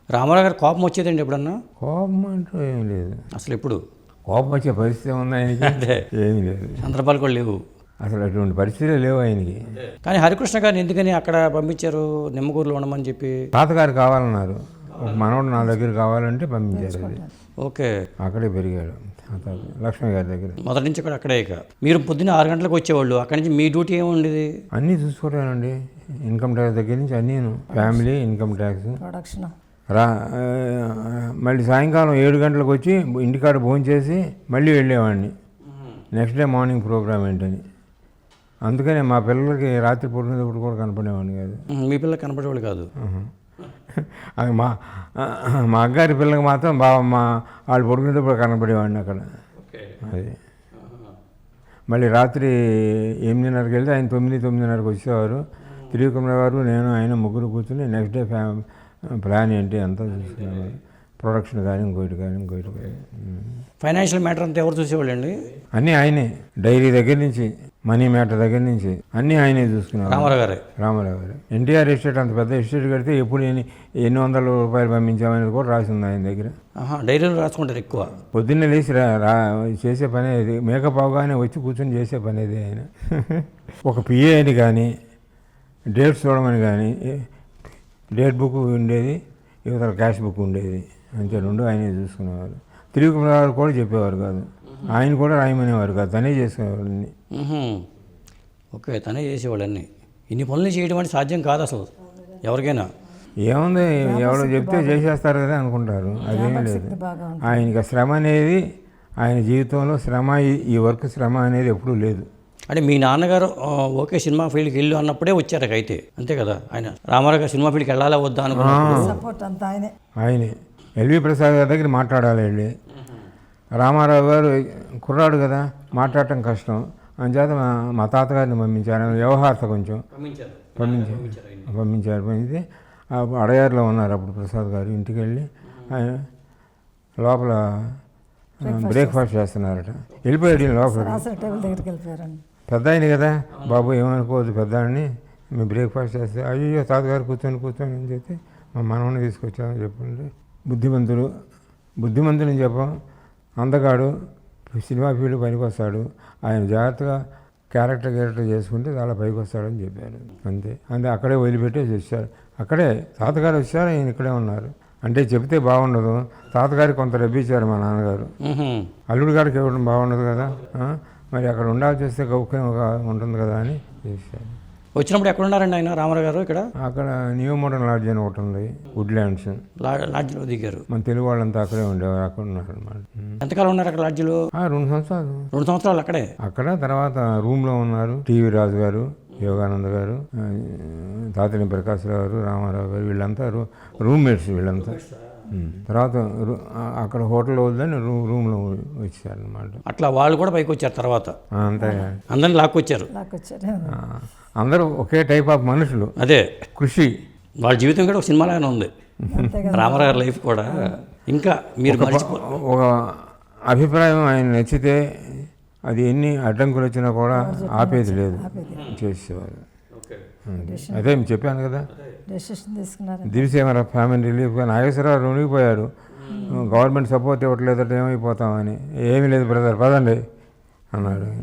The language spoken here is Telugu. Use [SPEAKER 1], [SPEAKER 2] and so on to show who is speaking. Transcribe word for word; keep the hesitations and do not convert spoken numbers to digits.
[SPEAKER 1] రామారావు గారు కోపం వచ్చేదండి ఎప్పుడన్నా?
[SPEAKER 2] కోపం అంటూ ఏం లేదు.
[SPEAKER 1] అసలు ఎప్పుడు
[SPEAKER 2] కోపం వచ్చే పరిస్థితి ఉంది ఆయనకి?
[SPEAKER 1] అదే
[SPEAKER 2] ఏమీ లేదు.
[SPEAKER 1] సందర్భాలు కూడా లేవు.
[SPEAKER 2] అసలు అటువంటి పరిస్థితులే లేవు ఆయనకి.
[SPEAKER 1] కానీ హరికృష్ణ గారిని ఎందుకని అక్కడ పంపించారు, నిమ్మకూరులో ఉండమని చెప్పి?
[SPEAKER 2] తాతగారు కావాలన్నారు, ఒక మనవడు నా దగ్గర కావాలంటే పంపించారు. అది
[SPEAKER 1] ఓకే,
[SPEAKER 2] అక్కడే పెరిగాడు తాత లక్ష్మి గారి దగ్గర.
[SPEAKER 1] మొదటి నుంచి కూడా అక్కడే. ఇక మీరు పొద్దున్న ఆరు గంటలకు వచ్చేవాళ్ళు, అక్కడి నుంచి మీ డ్యూటీ ఏముండేది?
[SPEAKER 2] అన్నీ చూసుకుంటానండి, ఇన్కమ్ ట్యాక్స్ దగ్గర నుంచి అన్నీను, ఫ్యామిలీ ఇన్కమ్ ట్యాక్స్
[SPEAKER 3] ప్రొడక్షన్.
[SPEAKER 2] రా మళ్ళీ సాయంకాలం ఏడు గంటలకు వచ్చి ఇంటికాడ భోజనం చేసి మళ్ళీ వెళ్ళేవాడిని నెక్స్ట్ డే మార్నింగ్ ప్రోగ్రామ్ ఏంటని. అందుకనే మా పిల్లలకి రాత్రి పడుకునేటప్పుడు కూడా కనపడేవాడిని కాదు.
[SPEAKER 1] మీ పిల్లలకి కనపడేవాళ్ళు కాదు?
[SPEAKER 2] అది మా మా అగ్గారి పిల్లలకి మాత్రం బాగా మా వాళ్ళు పడుకునేటప్పుడు కనపడేవాడిని అక్కడ. అది మళ్ళీ రాత్రి ఎనిమిదిన్నరకి వెళ్తే ఆయన తొమ్మిది తొమ్మిదిన్నరకు వచ్చేవారు. త్రివిక్రమ గారు నేను ఆయన ముగ్గురు కూర్చుని నెక్స్ట్ డే ఫ్యా ప్లాన్ ఏంటి అంతా చూసుకునేవారు. ప్రొడక్షన్ కానీ ఇంకోటి కానీ ఇంకోటి కానీ.
[SPEAKER 1] ఫైనాన్షియల్ మ్యాటర్ అంతా ఎవరు చూసేవాళ్ళు అండి?
[SPEAKER 2] అన్నీ ఆయనే, డైరీ దగ్గర నుంచి మనీ మ్యాటర్ దగ్గర నుంచి అన్నీ ఆయనే చూసుకున్నారు.
[SPEAKER 1] రామారావు గారే?
[SPEAKER 2] రామారావు గారు. ఎన్టీఆర్ ఎస్టేట్ అంత పెద్ద ఎస్టేట్ కడితే ఎప్పుడు ఎన్ని ఎన్ని వందల రూపాయలు పంపించామనేది కూడా రాసి ఉంది ఆయన దగ్గర.
[SPEAKER 1] డైరీలో రాసుకుంటారు ఎక్కువ.
[SPEAKER 2] పొద్దున్నే లేచి రా రా చేసే పని అది, మేకప్ అవగానే వచ్చి కూర్చొని చేసే పని అది ఆయన. ఒక పిఏ అని కానీ డేట్స్ చూడమని కానీ, డేట్ బుక్ ఉండేది, యువతల క్యాష్ బుక్ ఉండేది, అంతే రెండు ఆయనే చూసుకునేవారు. త్రివిక్రమ గారు కూడా చెప్పేవారు కాదు, ఆయన కూడా రాయమనేవారు కాదు, తనే చేసుకునేవారు అన్నీ.
[SPEAKER 1] ఓకే, తనే చేసేవాళ్ళు అన్నీ. ఇన్ని పనులు చేయడం అంటే సాధ్యం కాదు అసలు ఎవరికైనా.
[SPEAKER 2] ఏముంది, ఎవరో చెప్తే చేసేస్తారు కదా అనుకుంటారు, అదేమీ లేదు. ఆయనకి శ్రమ అనేది, ఆయన జీవితంలో శ్రమ, ఈ వర్క్ శ్రమ అనేది ఎప్పుడూ లేదు.
[SPEAKER 1] అంటే మీ నాన్నగారు ఓకే సినిమా ఫీల్డ్కి వెళ్ళు అన్నప్పుడే వచ్చారు అయితే, అంతే కదా? ఆయన రామారావు గారు సినిమా ఫీల్డ్కి వెళ్ళాలా వద్దా అనుకున్నాను.
[SPEAKER 2] ఆయనే ఎల్వి ప్రసాద్ గారి దగ్గర మాట్లాడాలి వెళ్ళి. రామారావు గారు కుర్రాడు కదా, మాట్లాడటం కష్టం, అందుచేత మా తాతగారిని పంపించారు. వ్యవహారత కొంచెం పంపించారు పంపించారు పంపితే అడయారులో ఉన్నారు అప్పుడు ప్రసాద్ గారు. ఇంటికి వెళ్ళి ఆయన లోపల బ్రేక్ఫాస్ట్ చేస్తున్నారట, వెళ్ళిపోయాడు లోపల. పెద్ద ఆయన కదా, బాబు ఏమనుకోవద్దు పెద్ద అని, మేము బ్రేక్ఫాస్ట్ చేస్తే అయ్యో తాతగారు కూర్చొని కూర్చొని అని చెప్పి మా మనవని తీసుకొచ్చామని చెప్పండి. బుద్ధిమంతుడు బుద్ధిమంతుని చెప్పాం, అందగాడు, సినిమా ఫీల్డ్ పనికి వస్తాడు, ఆయన జాగ్రత్తగా క్యారెక్టర్ క్యారెక్టర్ చేసుకుంటే చాలా పైకి వస్తాడని చెప్పారు. అంతే అంతే అక్కడే వదిలిపెట్టేసి వచ్చారు. అక్కడే తాతగారు వచ్చారు, ఆయన ఇక్కడే ఉన్నారు. అంటే చెప్తే బాగుండదు, తాతగారికి కొంత రబ్బిచ్చారు మా నాన్నగారు, అల్లుడు గారికి ఇవ్వడం బాగుండదు కదా, మరి అక్కడ ఉండాల్సి వస్తే గౌక్యం ఉంటుంది కదా అని చేశారు.
[SPEAKER 1] వచ్చినప్పుడు ఎక్కడ ఉన్నారండి ఆయన రామారావు గారు? ఇక్కడ
[SPEAKER 2] అక్కడ న్యూ మోడర్న్ లాడ్జ్ అని ఒకటి ఉంది, వుడ్లాండ్స్
[SPEAKER 1] లాడ్జ్లో దిగారు.
[SPEAKER 2] మన తెలుగు వాళ్ళంతా అక్కడే ఉండేవారు, అక్కడ ఉన్నారు అనమాట.
[SPEAKER 1] ఎంతకాలం ఉన్నారు అక్కడ లాడ్జ్లో?
[SPEAKER 2] రెండు సంవత్సరాలు
[SPEAKER 1] రెండు సంవత్సరాలు అక్కడే.
[SPEAKER 2] అక్కడ తర్వాత రూమ్లో ఉన్నారు టీవీ రాజు గారు, యోగానంద గారు, తాతిని ప్రకాశ్రావు గారు, రామారావు గారు, వీళ్ళంతా రూ రూమ్మేట్స్ వీళ్ళంతా. తర్వాత అక్కడ హోటల్ వద్దని రూ రూమ్లో వచ్చారనమాట.
[SPEAKER 1] అట్లా వాళ్ళు కూడా పైకి వచ్చారు తర్వాత,
[SPEAKER 2] అంతే
[SPEAKER 1] అందరిని లాక్కొచ్చారు.
[SPEAKER 2] అందరూ ఒకే టైప్ ఆఫ్ మనుషులు, అదే కృషి.
[SPEAKER 1] వాళ్ళ జీవితం కూడా ఒక సినిమాలాగానే ఉంది, రామారావు గారి లైఫ్ కూడా. ఇంకా మీరు
[SPEAKER 2] ఒక అభిప్రాయం ఆయన నచ్చితే అది ఎన్ని అడ్డంకులు వచ్చినా కూడా ఆపేది లేదు, చేసేవారు. అదే చెప్పాను కదా, దివిసేమర ఫ్యామిలీ రిలీఫ్ నాగేశ్వరరావు రుణిగిపోయారు, గవర్నమెంట్ సపోర్ట్ ఇవ్వట్లేదంటే ఏమైపోతామని. ఏమీ లేదు బ్రదర్ పదండి అన్నాడు.